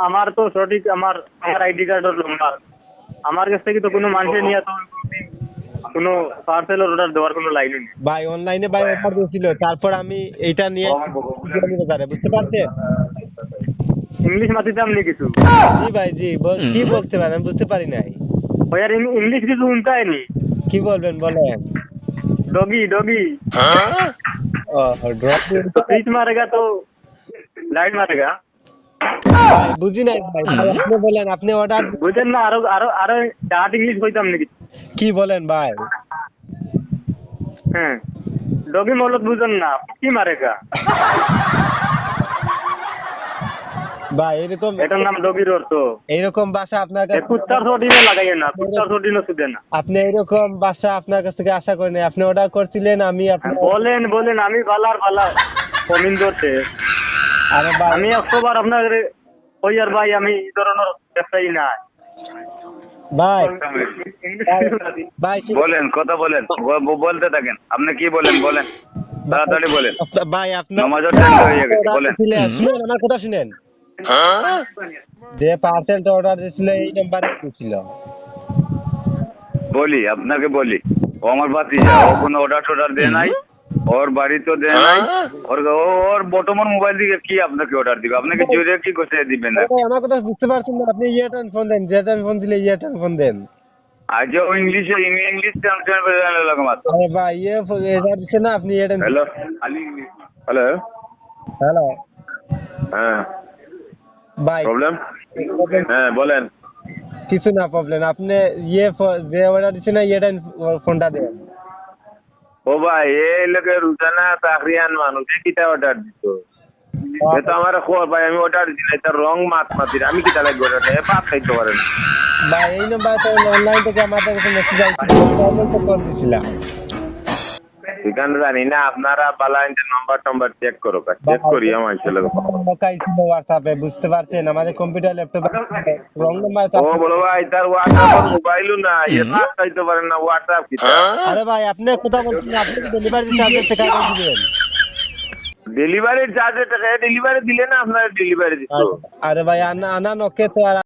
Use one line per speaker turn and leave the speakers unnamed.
আমার তো সঠিক আমার আইডি কার্ডের নাম্বার আমার কাছ থেকে তো কোনো মানুষের নিয়ে তো কোনো পার্সেল অর্ডার দেওয়ার কোনো লাইন নেই
ভাই অনলাইনে ভাই অফার দিয়েছিল, তারপর আমি এইটা নিয়ে বাজারে, বুঝতে পারছেন?
ইংলিশ মাতিতাম নি কিছু
জি ভাই জি, কি বলতে পারেন আমি বুঝতে পারি নাই।
ওই আর ইংলিশ কিছু উনতাই নি
কি বলবেন বলেন।
डॉगी डॉगी
ড্রপ
तो स्विच मारेगा तो लाइट मारेगा
ভাই বুঝি নাই ভাই, আপনি বলেন, আপনি অর্ডার
বুঝেন না আরো আরো আরো ডাট ইংলিশ কইতাম নাকি
কি বলেন ভাই।
হ্যাঁ ডগি মলত বুঝেন না কি মারেগা
ভাই এরকম
এটার নাম ডগির অর্থ
এইরকম ভাষা আপনার কাছে
কুত্তার ছটিনে লাগাইয়ে না কুত্তার ছটিনে সুদে না
আপনি এইরকম ভাষা আপনার কাছ থেকে আশা করি নাই। আপনি অর্ডার করছিলেন, আমি আপনার
বলেন বলেন আমি বালার বালা কমিন্দর সে
আরে ভাই
আমি 100 বার আপনার ওই আর ভাই আমি এই ধরনের ব্যবসায়ী না
ভাই ভাই
বলেন কথা বলেন বলতে থাকেন আপনি কি বলেন বলেন তাড়াতাড়ি বলেন
ভাই আপনার
নামাজের টাইম হয়ে গেছে বলেন
শুনেন আমার কথা শুনেন, যে পার্সেলটা অর্ডার দিয়েছিল এই নাম্বারে ছিল।
বলি আপনাকে বলি ও আমার ভাতিজা ও কোনো অর্ডার দেয় নাই ওর বাড়ি তো দেয় নাই ওর বর্তমান মোবাইল থেকে কি আপনাকে অর্ডার দিবে আপনাকে জোরে কি করতে দিবেন না
ভাই আমার কথা বুঝতে পারছেন না, আপনি ইয়ারটেল ফোন দেন, যেটান ফোন দিলে ইয়ারটেল ফোন দেন।
আজ ও ইংলিশ ট্রান্সলেট লাগা মাত্র
আরে ভাই এটা দিচ্ছে না, আপনি ইয়ারটেল।
হ্যালো হ্যালো
হ্যালো
হ্যাঁ
ভাই
প্রবলেম হ্যাঁ বলেন
কিছু না প্রবলেম, আপনি যে অর্ডার দিচ্ছে না ইয়ারটেল ফোনটা দেন।
ও ভাই এই লোকে রুজানা তাকরিয়ান মানুষ কিটা অর্ডার দিত এটা আমার খবর ভাই আমি অর্ডার দিই না এটা রং মাতি আমি কিটা লাগবে অর্ডার দেয় পাপ খাইতে পারেন
ভাই এই নাম্বার তো অনলাইন থেকে আমাদের কাছে মেসেজ আসছিল, প্রবলেম তো কল দিছিলাম।
এখানে জানি না আপনারা বালাইন নাম্বার চেক করো চেক করি আমার ছেলে
লোকাই ছিল হোয়াটসঅ্যাপে, বুঝতে পারছেন? আমাদের কম্পিউটার ল্যাপটপে রং নাম্বার তো।
ও বলো ভাই তার হোয়াটসঅ্যাপ মোবাইলও না এটা খাইতে পারেন না হোয়াটসঅ্যাপ কিটা
আরে ভাই আপনি কথা বলছেন, আপনি ডেলিভারি চার্জের টাকা দিবেন।
ডেলিভারির চার্জে টাকা ডেলিভারি দিলে না আপনারা ডেলিভারি দিত
আরে ভাই আনা নকে তো আর